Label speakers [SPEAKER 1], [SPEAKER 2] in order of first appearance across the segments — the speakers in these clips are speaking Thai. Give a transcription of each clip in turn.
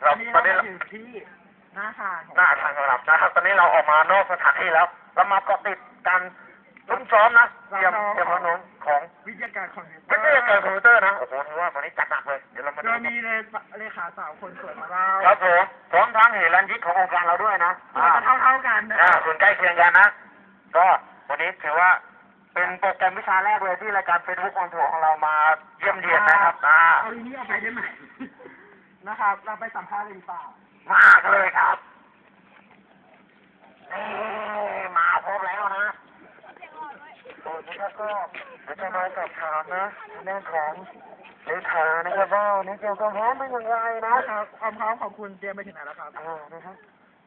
[SPEAKER 1] เราตอนนี้
[SPEAKER 2] อยู่ที่หน้าทาง
[SPEAKER 1] หน้าทางของเรานะครับตอนนี้เราออกมานอกสถานที่แล้วเรามาเกาะติดการลุ้มซ้อมนะเตรียมพร้อมของ
[SPEAKER 2] วิทยาการคอมพิวเตอ
[SPEAKER 1] ไม่
[SPEAKER 2] ร์
[SPEAKER 1] ใช่เกิดคอมพิวเตอร์นะโอ้โหถือว่าวันนี้จัดหนักเลยเดี๋ยวเรามาดู
[SPEAKER 2] เรามีเลขาสาวคนสวยของเรา
[SPEAKER 1] ครับผมพร้อมทั้งเหรัญยิกขององค์การเราด้วยนะ
[SPEAKER 2] เราจะเท่ากันนะ
[SPEAKER 1] ส่วนใกล้เคียงกันนะก็วันนี้ถือว่าเป็นโปรแกรมวิชาแรกเลยที่รายการ Facebook on Tour ของเรามาเยี่ยมเยียนนะครับ
[SPEAKER 2] เอาทีนี้เอาไปได้ไหมนะครับ เราไปสัมภาษณ์เลยป่าม
[SPEAKER 1] ากเลยครับนี่มาพบแล้วนะโอ้ยนี่ก็จะมาสอบถามนะเรื่องของเลขานะครับว่านี่เกี่ยวกับพร้อมเป็นอย่างไรนะครับ
[SPEAKER 2] ความพร้อมของคุณเตรียมไปถึงไหนแล้วครับ
[SPEAKER 1] นะครับ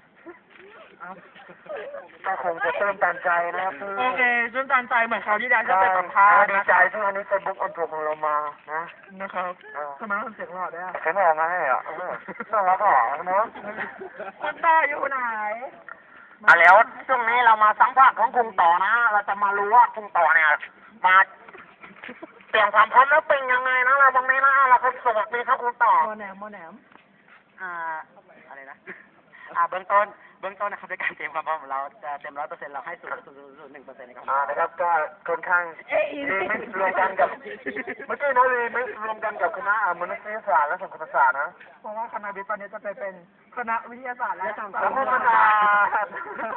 [SPEAKER 1] ก็คงจะเติมตันใจนะครับ
[SPEAKER 2] โอเคจนตันใจเหมือนเขาวที่แล้วจะไปสัมภาษณ์
[SPEAKER 1] ดีใจที่วันนี้เฟซบุ๊กออนทัวร์ของเรามานะ
[SPEAKER 2] นะครับทำไมต้องเสียงหล่อด้วยอ่ะ
[SPEAKER 1] เข็นออกมาให้อ่ะน่ารักอ่ะเนาะ
[SPEAKER 2] คุณต่ออยู่ไหน
[SPEAKER 1] แล้วช่วงนี้เรามาสัมภาษณ์ของคุณต่อนะ เราจะมารู้ว่าคุณต่อเนี่ยมาเตรียมความพร้อมแล้วเป็นยังไงนะเราตรงนี้นะเราก็สวัสดีครับคุณต่อ
[SPEAKER 2] โมแหนม
[SPEAKER 3] อะไรนะเบื้องต้นนะครับในการเตรียมความพร้อมของเราจะเต็ม100%เราให้0.1%นะครับ
[SPEAKER 1] นะครับก็ค่อนข้างรีมิกซ์รวมกันกับเมื่อกี้นะรีมิกซ์รวมกันกับคณะมนุษยศาสตร์และสังคมศาสตร์นะ
[SPEAKER 2] เพราะว่าคณะวิทย์ตอนนี้จะไปเป็นคณะวิทยาศาสตร์และสังค
[SPEAKER 1] สัง
[SPEAKER 2] ม
[SPEAKER 1] คม
[SPEAKER 2] ศา
[SPEAKER 1] ศา
[SPEAKER 2] ส
[SPEAKER 1] ส
[SPEAKER 2] ต
[SPEAKER 1] ต
[SPEAKER 2] ร์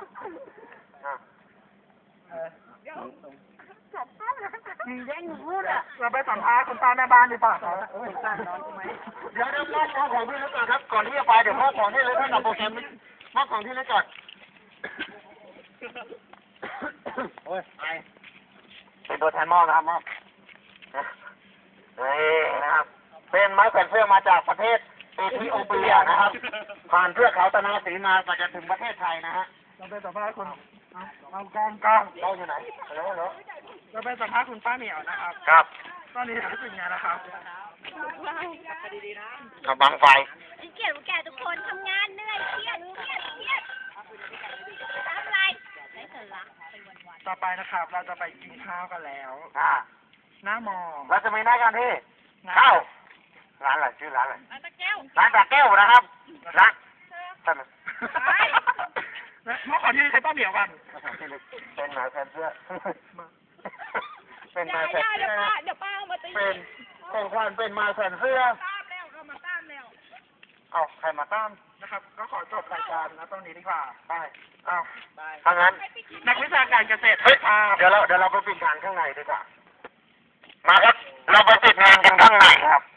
[SPEAKER 1] ร์
[SPEAKER 2] มึงแย่งพูดอ่ะเราไปสัมภาษณ์คุณป้าแม่บ้านดีกว่าครับ
[SPEAKER 1] เดี๋ยวมอบของที่เล็กก่อนครับก่อนที่จะไปเดี๋ยวมอบของที่เล็กให้กับโปรแกรมมอบของที่เล็กก่อนโอ้ยไปเป็นตัวแทนมอบนะครับมอบนี่นะครับเป็นไม้แขวนเสื้อมาจากประเทศเอธิโอเปียนะครับ ผ่านเทือกเขาตะนาสีมาก็จะถึงประเทศไทยนะฮะ
[SPEAKER 2] เราไปสัมภาษณ์คุณเอากอง
[SPEAKER 1] เราอยู่ไหนฮัลโหลฮัลโหล
[SPEAKER 2] เราไปสัมภาษณ์คุณป้าเหมียวนะครับ
[SPEAKER 1] ครับ
[SPEAKER 2] ตอนนี้รู้สึกไงนะครับ
[SPEAKER 1] กับบังไฟ
[SPEAKER 4] เกลียดแก่ทุกคนทำงานเหนื่อยเครียดทำอะไรไม่สนละไปวัน
[SPEAKER 2] ต่อไปนะครับ เราจะไปกินข้าวกันแล้ว หน้ามอ
[SPEAKER 1] เราจะมีหน้ากันที่ข้าวร้านอะไรชื่อร้านอะไร
[SPEAKER 4] ๆตะแก้ว
[SPEAKER 1] ร้านตาแก้วนะครับร้านท่าน
[SPEAKER 2] เมื่อก่อนที่ใช้ป้าเหมียวกัน
[SPEAKER 1] เป็นหมาแฟนเสื้อเป็นห
[SPEAKER 4] ได้
[SPEAKER 1] มาแฟน
[SPEAKER 4] ได้
[SPEAKER 1] เสื้อ
[SPEAKER 4] เดี๋ยวป้าเอามาตี
[SPEAKER 1] เป็นควันเป็นหมาแฟนเสื้อ
[SPEAKER 4] ตามแล้วเอามาตามแล้ว
[SPEAKER 1] เอาใครมาต้าน
[SPEAKER 2] นะครับ ก็ขอจบรายการนะตรงนี้ดีกว่า
[SPEAKER 1] ไปเอาถ้างั้น
[SPEAKER 2] นักวิชาการเกษตร
[SPEAKER 1] เฮ้ยเดี๋ยวเราไปปิดงานข้างในดีกว่ามาครับเราไปปิดงานกันข้างในครับ